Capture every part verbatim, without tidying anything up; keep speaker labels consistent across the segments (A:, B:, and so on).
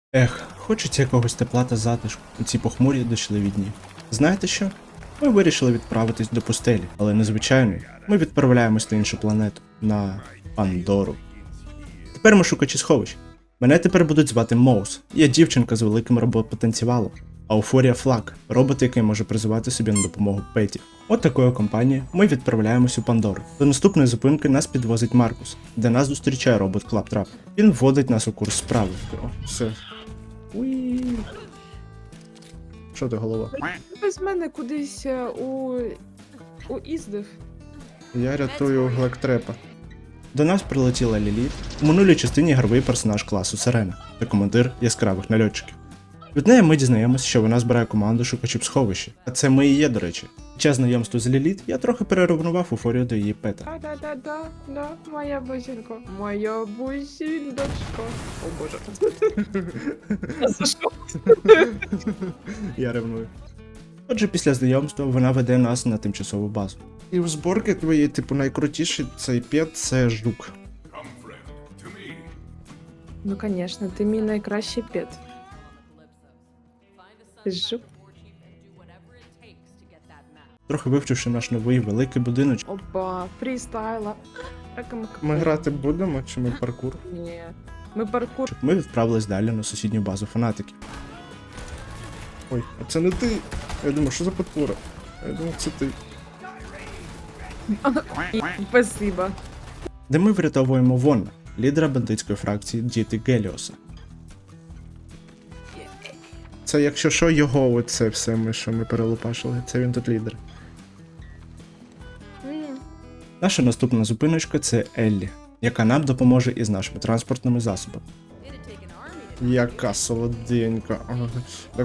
A: Ех, хочеться якогось тепла та затишку у ці похмурі дощливі дні. Знаєте що? Ми вирішили відправитись до пустелі, але незвичайної. Ми відправляємось на іншу планету, на Пандору. Тепер ми шукачі сховищ. Мене тепер будуть звати Моус. Я дівчинка з великим робопотенціалом. Ауфорія Флаг, робот, який може призивати собі на допомогу петів. От такою компанією ми відправляємось у Пандору. До наступної зупинки нас підвозить Маркус, де нас зустрічає робот Клаптрап. Він вводить нас у курс справи. О, все. Уї. Що ти, голова?
B: Без мене кудись е, у... уїздив.
A: Я рятую Глектрепа. До нас прилетіла Ліліт, у минулій частині ігровий персонаж класу Сирена та командир яскравих нальотчиків. Від неї ми дізнаємося, що вона збирає команду шукачів сховища. А це ми і є, до речі. Під час знайомства з Ліліт я трохи переревнував уфорію до її пета.
B: Да-да-да-да, да, моя бусинка. Моя бусіндочка. О боже. За що?
A: Я ревную. Отже, після знайомства вона веде нас на тимчасову базу. І в зборки твої, типу, найкрутіший цей пет — це жук.
B: Ну, конечно, ти мій найкращий пет. Ти ж жук.
A: Трохи вивчивши наш новий великий будиночок.
B: Опа, фрістайла.
A: Ми грати будемо чи ми паркур?
B: Ні. Ми паркур.
A: Ми відправились далі на сусідню базу фанатиків. Ой, а це не ти! Я думаю, що за потвора? Я думав, це ти.
B: Спасибо.
A: Де ми врятовуємо Вонна, лідера бандитської фракції Діти Геліоса. Це, якщо що, його оце все, ми, що ми перелопашили, це він тут лідер.
B: М.
A: Наша наступна зупиночка — це Еллі, яка нам допоможе із нашими транспортними засобами. Яка солоденька. Ага. Так.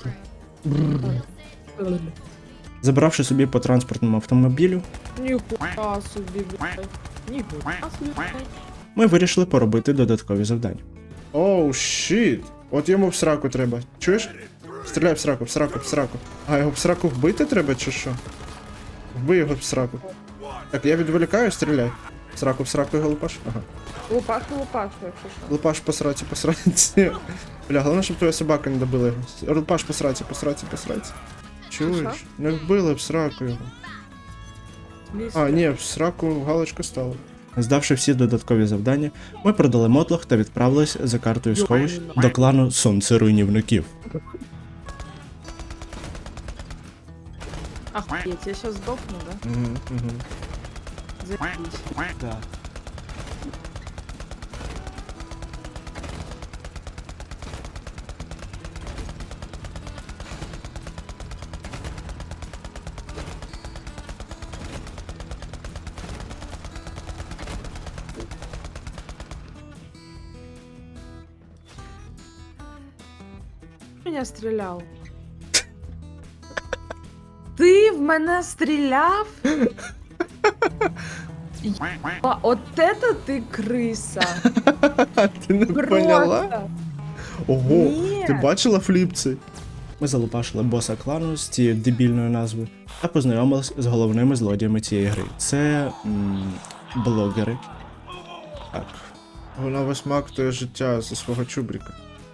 A: Забравши собі по транспортному автомобілю,
B: Ніхуя собі, блядь. Ніхуя собі.
A: ми вирішили поробити додаткові завдання. Оу, щіт! От йому в сраку треба. Чуєш? Стріляй в сраку, в сраку, в сраку. А його в сраку вбити треба чи що? Вбий його в сраку. Так, я відволікаю, стріляй. В сраку, в сраку його лупаш. Ага.
B: Лупаш, лупаш, якщо що.
A: Лупаш по сраці, по сраці. Бля, головне, щоб твоя собака не добила його. Лупаш по сраці, по сраці, по сраці. Чуєш? Не вбили в сраку його. А, ні, в сраку галочка стала. Здавши всі додаткові завдання, ми продали мотлох та відправились за картою сховищ до клану Сонце Руйнівників.
B: Охуеть, я щас здохну, да?
A: Угу, угу.
B: Заебись.
A: Да.
B: Меня стріляв. Ти в мене стріляв? А, от это ти криса.
A: Ти не поняла?
B: Просто.
A: Ого,
B: Ні.
A: ти бачила фліпці? Ми залупашили боса клану з цією дебільною назвою та познайомились з головними злодіями цієї гри. Це м, блогери. Так. Вона висмактує життя зі свого чубрика.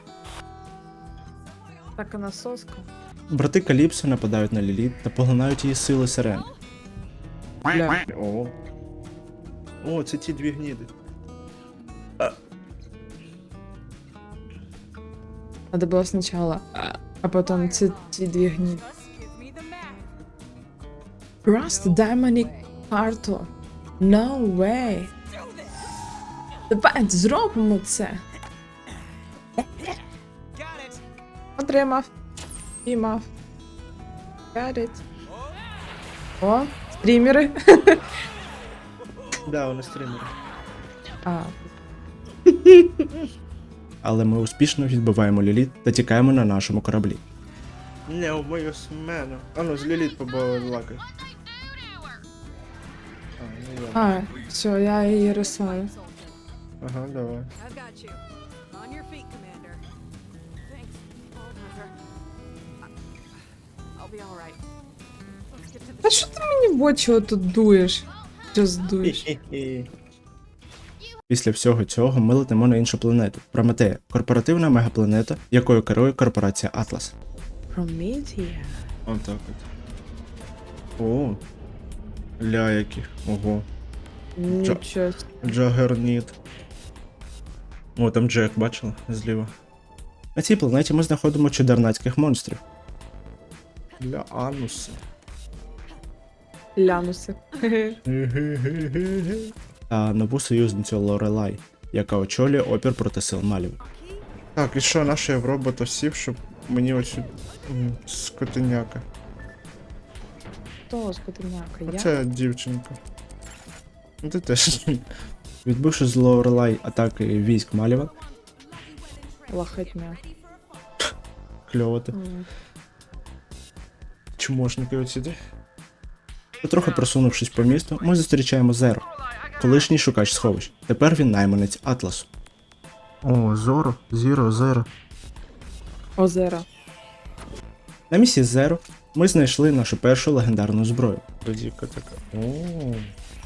B: Так, вона соска.
A: Брати Каліпсо нападають на Ліліт та поглинають її сили сирени.
B: Бля.
A: О. О, це ті дві гніди.
B: Надо было сначала, а потом ці, ці дві гні. Просто дай мені карту. No way. Давай зробимо це. Отримав. Піймав. Got it. О, стрімери.
A: Да, вони стримери.
B: А,
A: Але ми успішно відбиваємо Ліліт та тікаємо на нашому кораблі. Не вбию мене. А ну, з Ліліт побалакай. А, ну я.
B: а, все, я її рисую.
A: Ага, давай.
C: I've got you. On your feet, Commander. Thanks, Bulldozer. I'll be all right. Let's get to the
B: Та що ти мені в очі отут дуєш? Що здуєш?
A: Хі-хі-хі. Після всього цього ми летимо на іншу планету – Прометея, корпоративна мегапланета, якою керує корпорація Атлас.
B: Prometheus.
A: Отак от. О, ля яких. Ого.
B: Нічого. собі.
A: Джагерніт. О, там Джек, бачила? Зліва. На цій планеті ми знаходимо чудернацьких монстрів. Ля ануси.
B: Лянуси.
A: Та нову союзницю Лорелай, яка очолює опір проти сил Малів. Так, і що, наш я в робота сів, щоб мені оцю м, скотиняка.
B: Хто скотиняка? Я?
A: Оце дівчинка. Ну ти теж. Відбивши з Лорелай атаки військ Маліва,
B: Лахетня.
A: кльово ти.
B: М.
A: Чмошники оці. Потрохи просунувшись по місту, ми зустрічаємо Зеро, колишній шукач сховищ. Тепер він найманець Атласу. О, Зоро, Зіро, Зеро.
B: Озера.
A: На місії Зеро ми знайшли нашу першу легендарну зброю. Додіка така. О.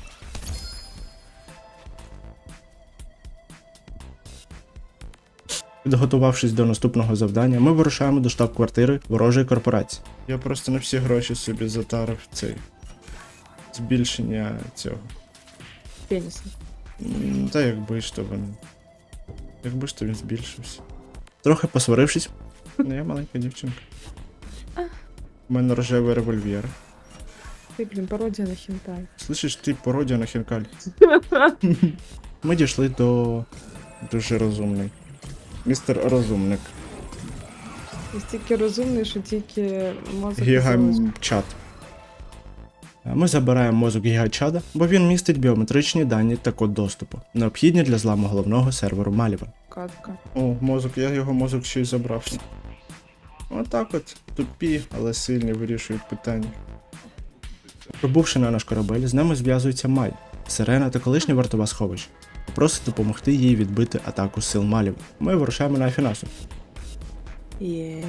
A: Підготувавшись до наступного завдання, ми вирушаємо до штаб-квартири ворожої корпорації. Я просто на всі гроші собі затарив цей збільшення цього.
B: Пеніса.
A: М, Та якби ж то він. Якби ж то він збільшився. Трохи посварившись. Ну, я маленька дівчинка. У мене рожевий револьвер.
B: Ти, блін, пародія на хінтай.
A: Слышиш, ти пародія на хінкаль. Ми дійшли до дуже розумний. Містер Розумник.
B: Настільки розумний, що тільки мозок залишив.
A: Гігачат. Ми забираємо мозок гігачада, бо він містить біометричні дані та код доступу, необхідні для зламу головного серверу Маліва.
B: Катка.
A: О, мозок, я його мозок ще й забрав. Отак от, тупі, але сильні вирішують питання. Прибувши на наш корабель, з нами зв'язується Май, Сирена та колишня вартова сховища. Просить допомогти їй відбити атаку сил Маліва. Ми вирушаємо на Афінасу.
B: Є.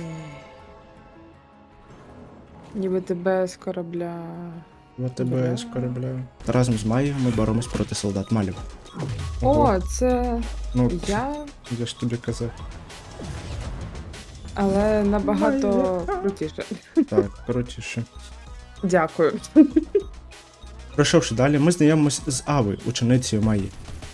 B: Ніби тебе з корабля.
A: ВТБ з корабля. Та разом з Майєю ми боремось проти солдат Маліва.
B: О, це
A: Ну,
B: я,
A: я ж тобі казав.
B: але набагато крутіше.
A: Так, коротше.
B: Дякую.
A: Пройшовши далі, ми знайомимось з Авою, ученицею Майї.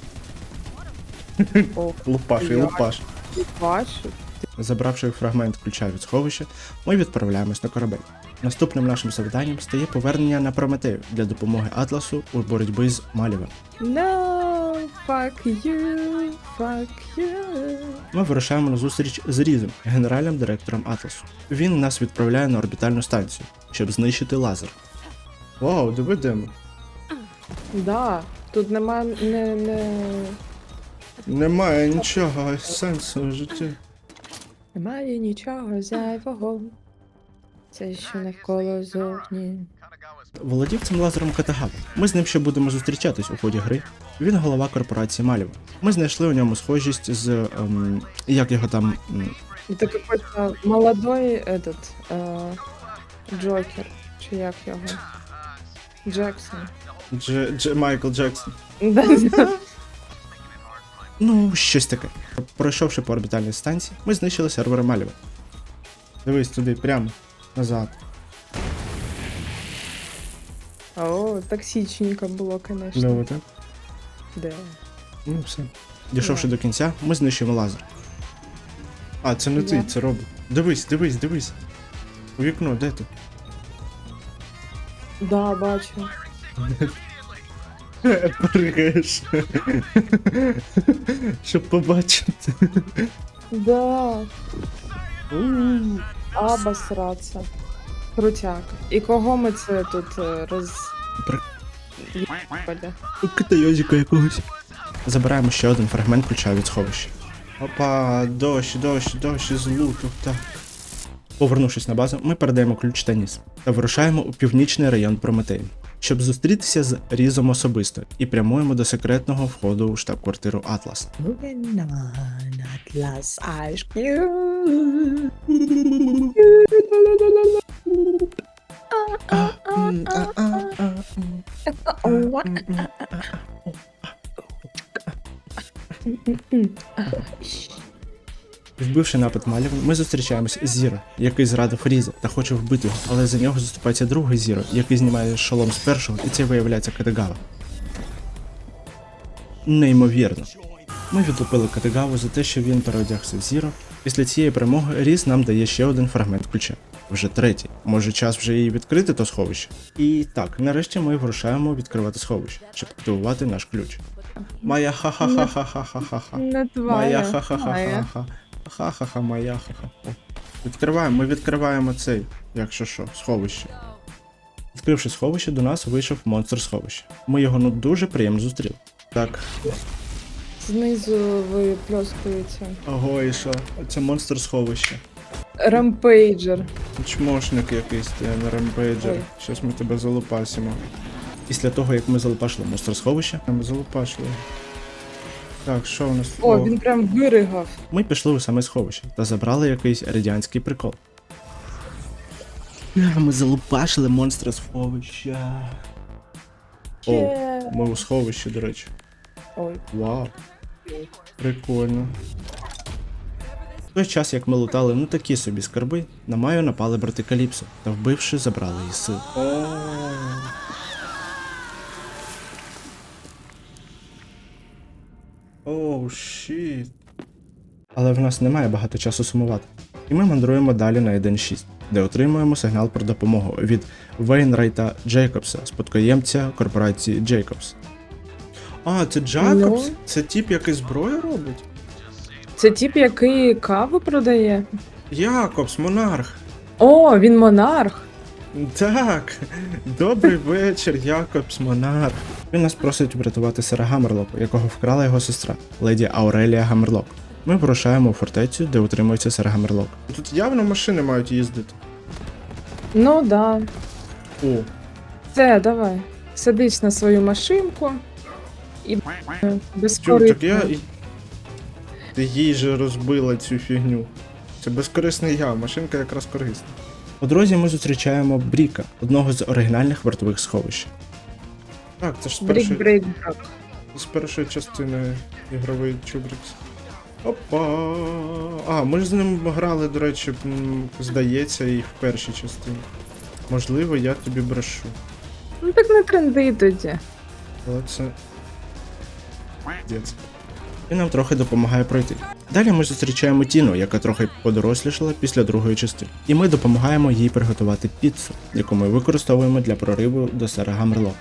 B: О,
A: Лупаш і
B: Я-
A: лупаш.
B: бачу.
A: Забравши фрагмент ключа від сховища, ми відправляємось на корабель. Наступним нашим завданням стає повернення на Прометею для допомоги Атласу у боротьбі з Малівем.
B: No, fuck you, fuck you.
A: Ми вирушаємо на зустріч з Різом, генеральним директором Атласу. Він нас відправляє на орбітальну станцію, щоб знищити лазер. Вау, диви де ми.
B: Да, тут нема не, не...
A: Немає нічого сенсу в житті.
B: Немає нічого зайвого. Це що навколо зовні.
A: Володів цим лазером Катагава. Ми з ним ще будемо зустрічатись у ході гри. Він голова корпорації Маліва. Ми знайшли у ньому схожість з. Ем, як його там. м,
B: Это какой-то молодой этот э, Джокер. Чи як його? Джексон.
A: Дж, Дж, Майкл Джексон.
B: Да.
A: Ну, щось таке. Пройшовши по орбітальній станції, ми знищили сервери Маліва. Дивись туди, прямо, назад.
B: О, токсичненько було, конечно.
A: Кльово, так?
B: Да.
A: Ну, все. Дійшовши
B: Да.
A: до кінця, ми знищуємо лазер. А, це не ти,
B: Я.
A: це робот. Дивись, дивись, дивись. У вікно, де ти?
B: Да, бачу.
A: Пригаєш. Щоб побачити.
B: Да. Обосраться. Крутяк. І кого ми це тут е, роз...
A: При-
B: Єбали?
A: Китайозіка якогось. Забираємо ще один фрагмент ключа від сховища. Опа, дощ, дощ, дощ із луту, так. Повернувшись на базу, ми передаємо ключ та ніс та вирушаємо у північний район Прометею, щоб зустрітися з Різом особисто і прямуємо до секретного входу у штаб-квартиру Атлас.
B: Moving on, Atlas Ice
A: Вбивши напад Маліван, ми зустрічаємось з Зіро, який зрадив Різа та хоче вбити його, але за нього заступається другий Зіро, який знімає шолом з першого, і це виявляється Катагава. Неймовірно. Ми відлупили Катагаву за те, що він переодягся в Зіро. Після цієї перемоги Різ нам дає ще один фрагмент ключа. Вже третій. Може час вже її відкрити, то сховище? І так, нарешті ми вирушаємо відкривати сховище, щоб активувати наш ключ. Моя ха-ха-ха-ха-ха-ха-ха.
B: Не твоя.
A: Моя
B: Моя.
A: ха-ха-ха-ха-ха. Ха-ха-ха, моя ха-ха. О, відкриваємо, ми відкриваємо цей, якщо що, сховище. Відкривши сховище, до нас вийшов монстр сховища. Ми його ну дуже приємно зустріли. Так,
B: Знизу випльоскується.
A: ого, і що? Це монстр сховища.
B: Рампейджер.
A: Чмошник якийсь, ти не ремпейджер.
B: Ой.
A: Щас ми тебе залупасимо. Після того, як ми залупашили монстр сховища, ми залупашили. Так, що у нас?
B: О, він прям виригав.
A: Ми пішли у саме сховище та забрали якийсь радянський прикол. А, ми залупашили монстра сховища. О,
B: Є.
A: ми у сховищі, до речі.
B: Ой.
A: Вау. Прикольно. В той час, як ми лутали ну такі собі скарби, на Маю напали брати Каліпсо та вбивши, забрали її сил. Оу, щіт. Але в нас немає багато часу сумувати. І ми мандруємо далі на один шість, де отримуємо сигнал про допомогу від Вейнрайта Джейкобса, спадкоємця корпорації Джейкобс. А, це Джейкобс?
B: Ну?
A: Це тип, який зброю робить?
B: Це тип, який каву продає.
A: Якобс, монарх.
B: О, він монарх.
A: Так, добрий вечір, Якобс, монарх. Він нас просить врятувати сера Гаммерлока, якого вкрала його сестра, леді Аурелія Гаммерлок. Ми вирушаємо у фортецю, де утримується сер Гаммерлок. Тут явно машини мають їздити.
B: Ну да.
A: О,
B: Все, давай. Садись на свою машинку і
A: чув,
B: безкоритно.
A: так я... і- Ти їй же розбила цю фігню. Це безкорисний я, машинка якраз корисна. По дорозі ми зустрічаємо Бріка, одного з оригінальних вартових сховищ. Так, це ж з першої,
B: Брік-брейк-брак.
A: з першої частини ігровий Чубрікс. Опа! А, ми ж з ним грали, до речі, м, здається, і в першій частині. Можливо, я тобі брешу.
B: Ну так не тренди тоді.
A: Але це. Дєць. І нам трохи допомагає пройти. Далі ми зустрічаємо Тіну, яка трохи подорослішала після другої частини. І ми допомагаємо їй приготувати піцу, яку ми використовуємо для прориву до сера Гаммерлока.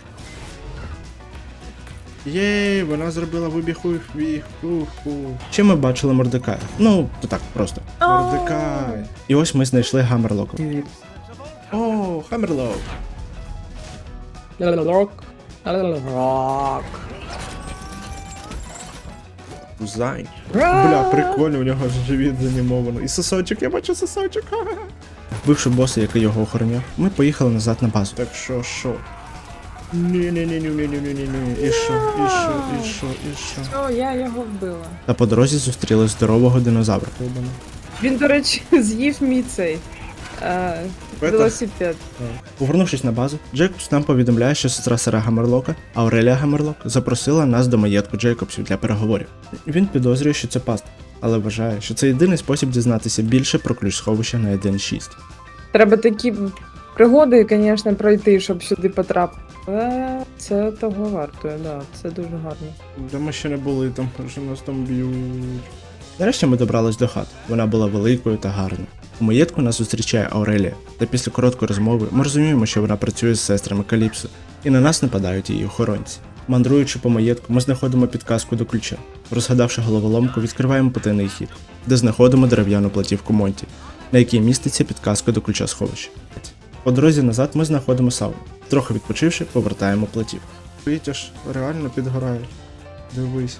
A: Єй, вона зробила вибіг у ху. Ще ми бачили Мордекая. Ну, то так, просто. Мордекай. І ось ми знайшли Гаммерлока. О, Гаммерлок.
B: Рок. Рок.
A: Зай. Бля, прикольно, у нього ж живіт занімовано. І сосочок, я бачу сосочок. Ха-ха. Вбивши боса, який його охороняв, ми поїхали назад на базу. Так що, що? Ні-ні-ні-ні-ні-ні-ні-ні. І що, і що, і що, і що?
B: О, я його вбила.
A: Та по дорозі зустріли здорового динозавра.
B: Він, до речі, з'їв мій цей е,
A: Пета?
B: велосипед.
A: Повернувшись на базу, Джейкобс нам повідомляє, що сестра сера Гаммерлока, Аурелія Гаммерлок, запросила нас до маєтку Джейкобсів для переговорів. Він підозрює, що це паста, але вважає, що це єдиний спосіб дізнатися більше про ключ сховища на один шість.
B: Треба такі пригоди, звісно, пройти, щоб сюди потрапити. Але це того вартує, да, це дуже гарно.
A: Де ми ще не були, там вже нас там б'ють. Нарешті ми добрались до хати. Вона була великою та гарною. У маєтку нас зустрічає Аурелія, та після короткої розмови ми розуміємо, що вона працює з сестрами Каліпсо, і на нас нападають її охоронці. Мандруючи по маєтку, ми знаходимо підказку до ключа. Розгадавши головоломку, відкриваємо потайний хід, де знаходимо дерев'яну платівку Монті, на якій міститься підказка до ключа сховища. По дорозі назад ми знаходимо сауну. Трохи відпочивши, повертаємо платівку. Вітяж реально підгорає. Дивись.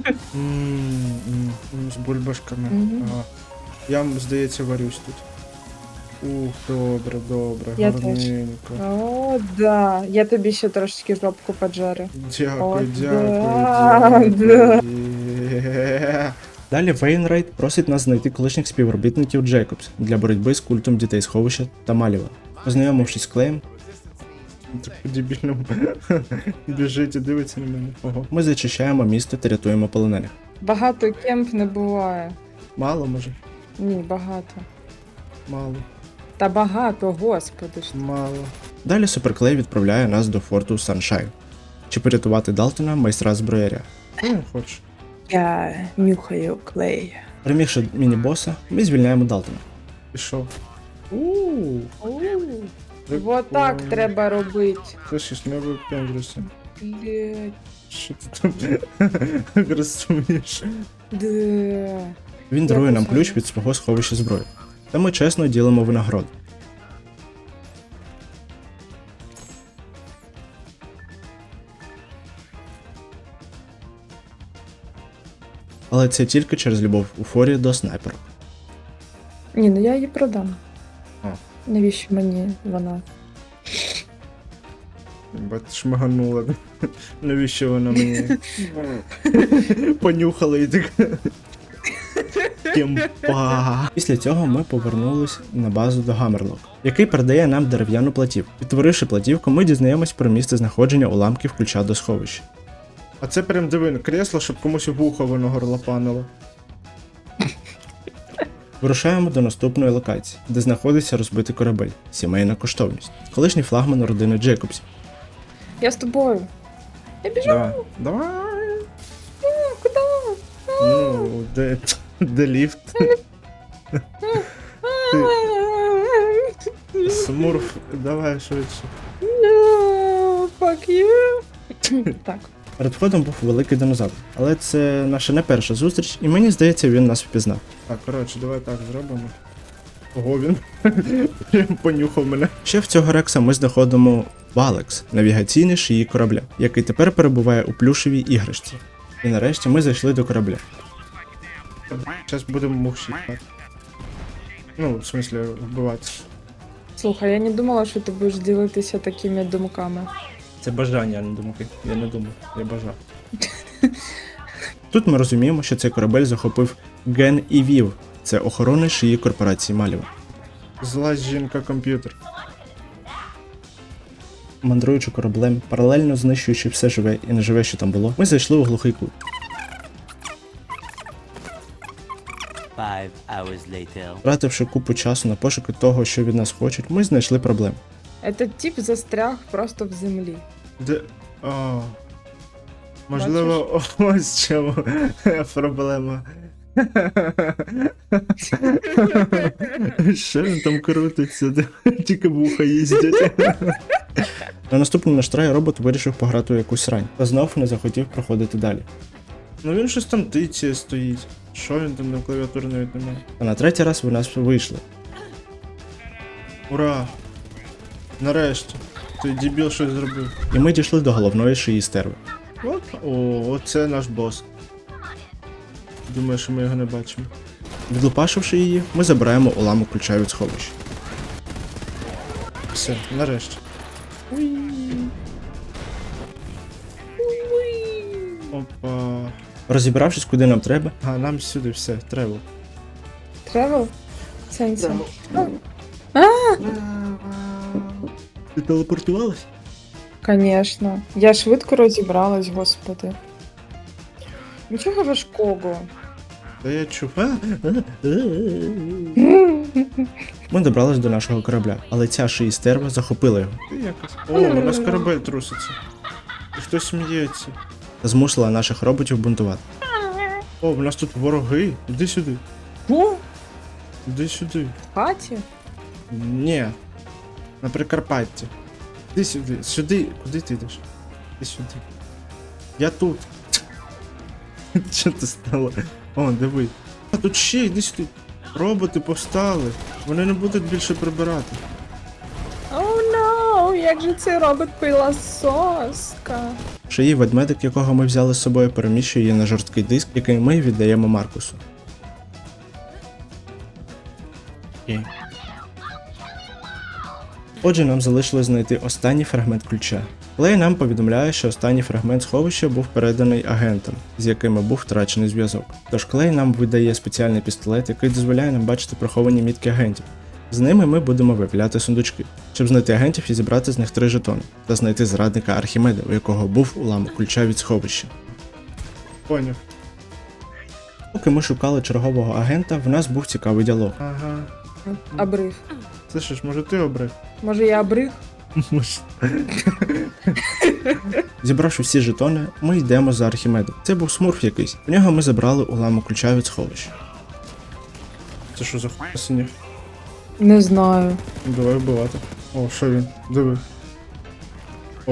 A: М-м-м, з бульбашками.
B: Мгм.
A: Ага. Я, здається, варюсь тут. Ух, добре, добре,
B: Я теж.
A: гарненько.
B: О, да. Я тобі ще трошечки жопку поджарю.
A: Дякую,
B: О,
A: дякую,
B: да,
A: дякую. Є. Далі Вейнрайт просить нас знайти колишніх співробітників Джейкобс для боротьби з культом дітей сховища та Маліва. Познайомившись з Клеєм, так по-дебільному біжить і дивиться на мене. Ого. Ми зачищаємо місто та рятуємо полонених.
B: Багато кемп не буває.
A: Мало, може?
B: Ні, багато.
A: Мало.
B: Та багато, господи ж.
A: Мало. Далі Суперклей відправляє нас до форту Саншайн. Чи порятувати Далтона, майстра зброяря. Ну, не хочу.
B: Я нюхаю клей.
A: Перемігши міні-боса, ми звільняємо Далтона. Пішов. Ууу.
B: Вот так треба робити.
A: Слышиш, не випендрюся.
B: Блять.
A: Що ти там агресуєш?
B: Да.
A: Він дарує нам
B: посаджу.
A: ключ від свого сховища зброї. Та ми чесно ділимо винагороду. Але це тільки через любов у форі до снайпера.
B: Ні, ну я її продам.
A: А.
B: Навіщо мені вона?
A: Бать шмаганула. Навіщо вона мені? Понюхала і так. Кемпа. Після цього ми повернулись на базу до Гаммерлок, який передає нам дерев'яну платівку. Відтворивши платівку, ми дізнаємось про місце знаходження уламків ключа до сховища. А це прям дивин, кресло, щоб комусь вухо воно горлопанило. Вирушаємо до наступної локації, де знаходиться розбитий корабель, сімейна коштовність, колишній флагман родини Джейкобсів.
B: Я з тобою. Я біжу.
A: Давай. Давай.
B: Куди?
A: Ну, де, де ліфт? Ти, Смурф, давай швидше.
B: No, fuck you. Так.
A: Перед входом був великий динозавр, але це наша не перша зустріч, і мені здається, він нас впізнав. Так, коротше, давай так зробимо. Ого, він прям понюхав мене. Ще в цього рекса ми знаходимо Валекс, навігаційний шиї корабля, який тепер перебуває у плюшевій іграшці. І нарешті ми зайшли до корабля. Зараз будемо мухші. Ну, в смислі, вбивати.
B: Слухай, я не думала, що ти будеш ділитися такими думками.
A: Це бажання, а не думки. Я не думав, я бажав. Тут ми розуміємо, що цей корабель захопив Ген і Вів. Це охорони шиї корпорації Маліва. Зла жінка-комп'ютер. Мандруючи кораблем, паралельно знищуючи все живе і неживе, що там було, ми зайшли у глухий кут.
D: Five hours later.
A: Втративши купу часу на пошуки того, що від нас хочуть, ми знайшли проблему.
B: Этот тип застряг просто в землі.
A: Де. О. Можливо, ось чому проблема. Що він там крутиться? Тільки вуха їздять. На наступному наш трай робот вирішив пограти у якусь рань, та знов не захотів проходити далі. Ну він щось там тицяє стоїть. Що він там на клавіатурі навіть немає? А на третій раз ви нас вийшли. Ура! Нарешті. Той дебіл щось зробив. І ми дійшли до головної шиї стерви. От. О, оце наш бос. Думаю, що ми його не бачимо. Відлупашивши її, ми забираємо уламок ключа від сховища. Все, нарешті. Опа. Розібравшись, куди нам треба. А, нам сюди все, треба.
B: Тревел? Сенсі.
A: Ти телепортувалась?
B: Конечно. Я швидко розібралась, господи. Нічого важкого.
A: Та я чув. А? Ми добрались до нашого корабля, але ця шиї стерва захопила його. Ти якось. О, у нас корабель труситься. І хтось сміється. Та змусила наших роботів бунтувати. О, у нас тут вороги. Іди сюди.
B: О,
A: Іди сюди.
B: в хаті?
A: Ні. На Прикарпатті. Іди сюди. Сюди. Куди ти йдеш? Іди сюди. Я тут. Що ти стало? О, диви. А тут ще, іди сюди. Роботи повстали. Вони не будуть більше прибирати.
B: О, no, як же цей робот пилососка.
A: Шиї ведмедик, якого ми взяли з собою, переміщує її на жорсткий диск, який ми віддаємо Маркусу. Окей. Отже, нам залишилось знайти останній фрагмент ключа. Клей нам повідомляє, що останній фрагмент сховища був переданий агентам, з якими був втрачений зв'язок. Тож Клей нам видає спеціальний пістолет, який дозволяє нам бачити приховані мітки агентів. З ними ми будемо виявляти сундучки, щоб знайти агентів і зібрати з них три жетони, та знайти зрадника Архімеда, у якого був уламок ключа від сховища. Поняв. Поки ми шукали чергового агента, в нас був цікавий діалог.
E: Ага.
B: Обрив.
E: Слышиш, може ти обрив?
B: Може я обрив?
A: Може. Зібравши всі жетони, ми йдемо за Архімедом. Це був смурф якийсь. У нього ми забрали уламок ключа від сховища.
E: Це що за хуй синів?
B: Не знаю.
E: Давай вбивати. О, що він? Диви. О,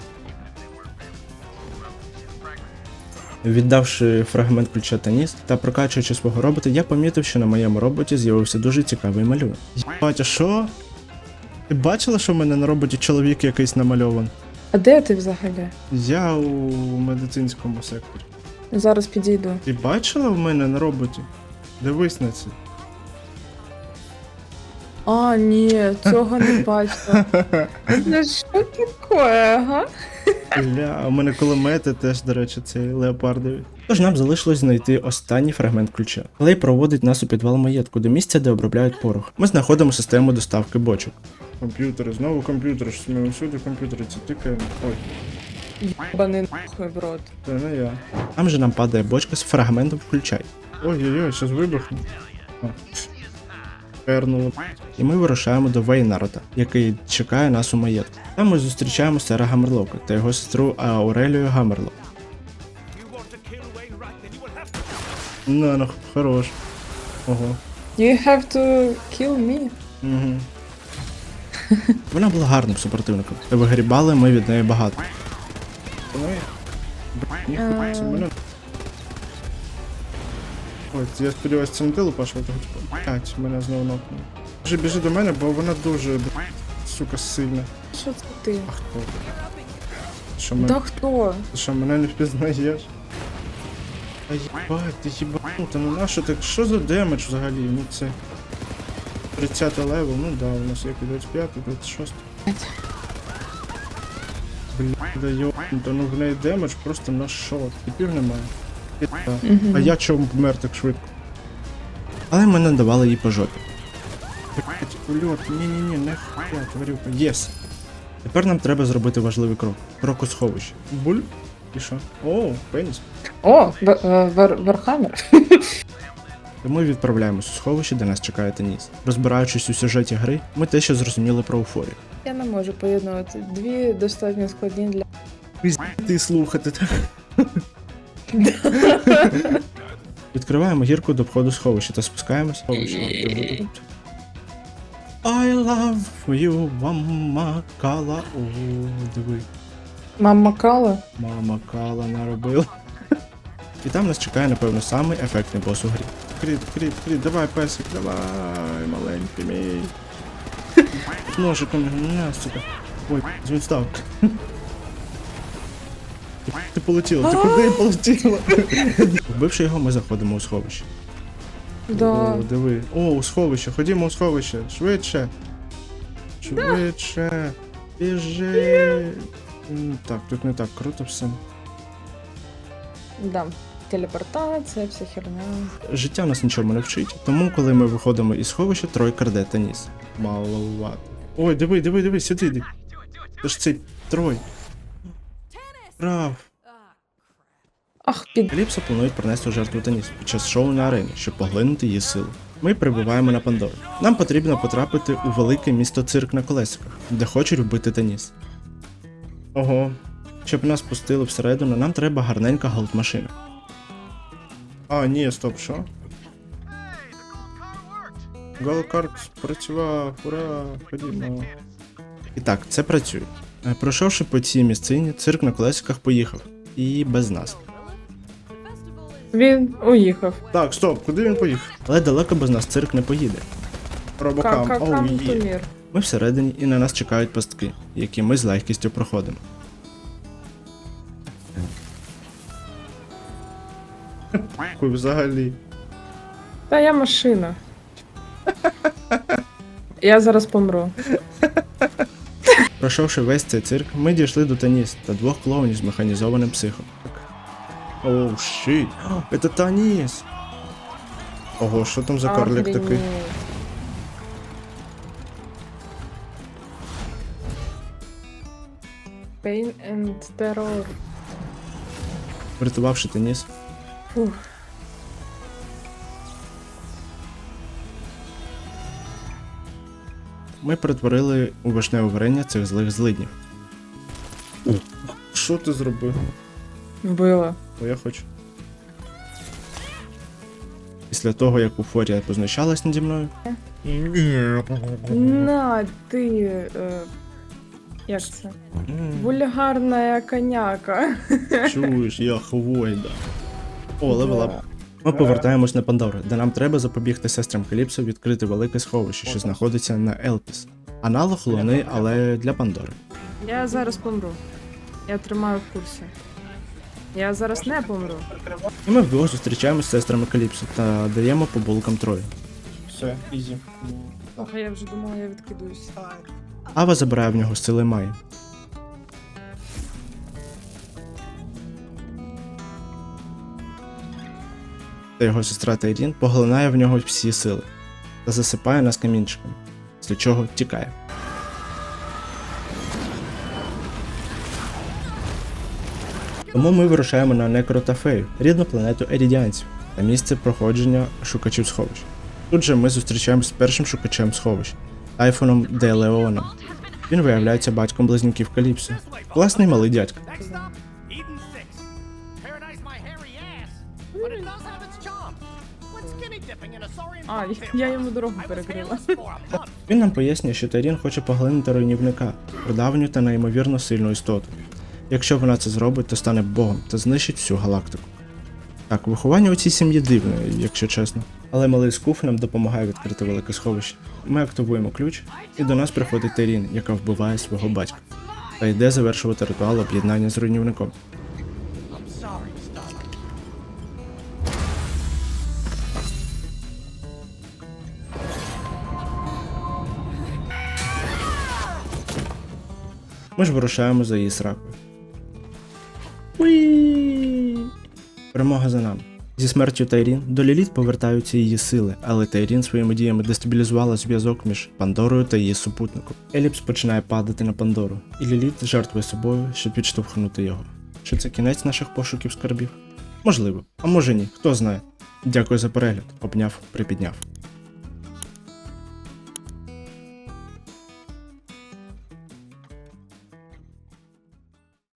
A: Віддавши фрагмент ключа та ніс та прокачуючи свого робота, я помітив, що на моєму роботі з'явився дуже цікавий малюнок.
E: батя, що? Ти бачила, що в мене на роботі чоловік якийсь намальований?
B: А де ти взагалі?
E: Я у медицинському секторі.
B: Зараз підійду.
E: Ти бачила в мене на роботі? Дивись на це.
B: А, ні, цього не бачила. Ну що таке, ага?
E: Бля, у мене кулемети теж, до речі, цей леопардові.
A: Тож нам залишилось знайти останній фрагмент ключа. Клей проводить нас у підвал маєтку до місця, де обробляють порох. Ми знаходимо систему доставки бочок.
E: Комп'ютери, знову комп'ютери, що ми усюди комп'ютери, це тикаємо. Ой,
B: Єбаний нахуй в рот.
E: це не я.
A: Там же нам падає бочка з фрагментом включай.
E: Ой-ой-ой, щас вибухне. О, пернуло.
A: І ми вирушаємо до Вейнарда, який чекає нас у маєтку. Там ми зустрічаємо сера Гаммерлока та його сестру Аурелію Гаммерлок.
E: На, ну, хорош. Ого.
B: You have to kill me.
E: Угу.
A: Вона була гарним супротивником, та вигрібали ми від неї багато.
E: Ну і... Б**, ніхуя, це мене... Ой, я сподіваюся, це не ти лупаш, а того типу. Блять, мене знову нокнули. Біжи, біжи до мене, бо вона дуже, б**, сука, сильна.
B: Що це ти?
E: А хто? Що, мене...
B: Да хто?
E: Ти що, мене не впізнаєш? Та їбать, ти їбанута, ну нащо так, що за демедж взагалі? Ну це... тридцятий левел, ну да, у нас як і двадцять п'ятий, двадцять шостий. Бля, да йобнута, ну в неї демедж просто на шот. Типів немає. Пі***. А я чому помер так швидко?
A: Але ми не давали їй по жопі.
E: Блять, ульот, ні-ні-ні, не хуя, тварюка. Єс.
A: Тепер нам треба зробити важливий крок. Крок у сховище.
E: Буль? І що? О, пеніс.
B: О, Вар- е, Вар- Вархаммер.
A: Тому відправляємось у сховище, де нас чекає Теніс. Розбираючись у сюжеті гри, ми те, що зрозуміли про Уфорію.
B: Я не можу поєднувати. Дві достатньо складні для.
E: Ти слухати, так?
A: Відкриваємо гірку до входу сховища та спускаємось. Сховище. I love you, мама Кала. О, диви.
B: Мама Кала.
A: Мама Кала наробила. І там нас чекає, напевно, самий ефектний бос у грі.
E: Кріт, кріт, кріт, давай, песик, давай, маленький мій. Ножиком, не, сука. Ой, він став. Ти полетіла, ти куди полетіла?
A: Вбивши його, ми заходимо у сховище.
B: Да.
E: О, диви. О, у сховище, ходімо у сховище. Швидше. Швидше. Біжи. М, Так, тут не так круто все.
B: Да. Телепортація, вся херня.
A: Життя нас нічому не вчить, тому коли ми виходимо із сховища, тройка рде Теніс.
E: Маловато. Ой, диви, диви, диви, сюди йди. Це ж цей трой. Прав.
B: Ах, під.
A: Ліпса планують принести у жертву Теніс під час шоу на арені, щоб поглинути її силу. Ми прибуваємо на Пандору. Нам потрібно потрапити у велике місто цирк на колесиках, де хочуть вбити Теніс.
E: Ого.
A: Щоб нас пустили всередину, нам треба гарненька голд-машина.
E: А, ні, стоп, що? Голкарт спрацював, ура, ходімо.
A: І так, це працює. Е, Пройшовши по цій місцині, цирк на колесиках поїхав. І без нас.
B: Він уїхав.
E: Так, стоп, куди він поїхав?
A: Але далеко без нас цирк не поїде.
E: Робокам, оу
B: Какам
E: є.
B: помір.
A: Ми всередині і на нас чекають пастки, які ми з легкістю проходимо.
E: Хуй взагалі.
B: Та я машина. Я зараз помру.
A: Пройшовши весь цей цирк, ми дійшли до Таніс та двох клоунів з механізованим психом.
E: Оу, щит. Це Таніс. Ого, що там за карлик такий?
B: Охренеть. Pain and Terror.
A: Врятувавши Таніс,
B: Фух.
A: ми перетворили у вишневе варення цих злих злиднів.
E: Що ти зробив?
B: Вбила.
A: Бо я хочу. Після того, як Уфорія познущалась наді мною,
B: На, ти. Е, як це? Вульгарна коняка.
A: чуєш, я хвойда. О, левелап. Ми повертаємось на Пандору, де нам треба запобігти сестрам Каліпсо відкрити велике сховище, що знаходиться на Елпіс. Аналог Луни, але для Пандори.
B: Я зараз помру. Я тримаю в курсі. Я зараз не помру.
A: І ми вдвох зустрічаємось з сестрами Каліпсо та даємо по булкам Трою.
E: Все, ізі.
B: А я вже думала, я відкидуюсь.
A: Ава забирає в нього сили Майї. Та його сестра Тайрін поглинає в нього всі сили та засипає нас камінчиком, після чого тікає. Тому ми вирушаємо на Некротафею, рідну планету ерідіанців, та місце проходження шукачів сховищ. Тут же ми зустрічаємося з першим шукачем сховищ Тайфоном де Леоном. Він виявляється батьком близнюків Каліпсо. Класний малий дядька.
F: Next stop, Eden six. Paradise my hairy ass, but it does have its charm. What's skinny dipping in a saurian
B: А,
F: bucket
B: я
F: was?
B: йому дорогу
F: I was
B: перекрила.
F: hairless for a month.
A: Він нам пояснює, що Тайрін хоче поглинути руйнівника, прадавню та неймовірно сильну істоту. Якщо вона це зробить, то стане богом та знищить всю галактику. Так, виховання у цій сім'ї дивне, якщо чесно. Але малий скуф нам допомагає відкрити велике сховище. Ми активуємо ключ, і до нас приходить Тайрін, яка вбиває свого батька. Та йде завершувати ритуал об'єднання з руйнівником.
F: I'm sorry, Starlight.
A: Ми ж вирушаємо за її сракою. Уі! Перемога за нами. Зі смертю Тайрін до Ліліт повертаються її сили, але Тайрін своїми діями дестабілізувала зв'язок між Пандорою та її супутником. Еліпс починає падати на Пандору, і Ліліт жертвує собою, щоб підштовхнути його. Чи це кінець наших пошуків скарбів? Можливо, а може ні, хто знає. Дякую за перегляд, обняв, припідняв.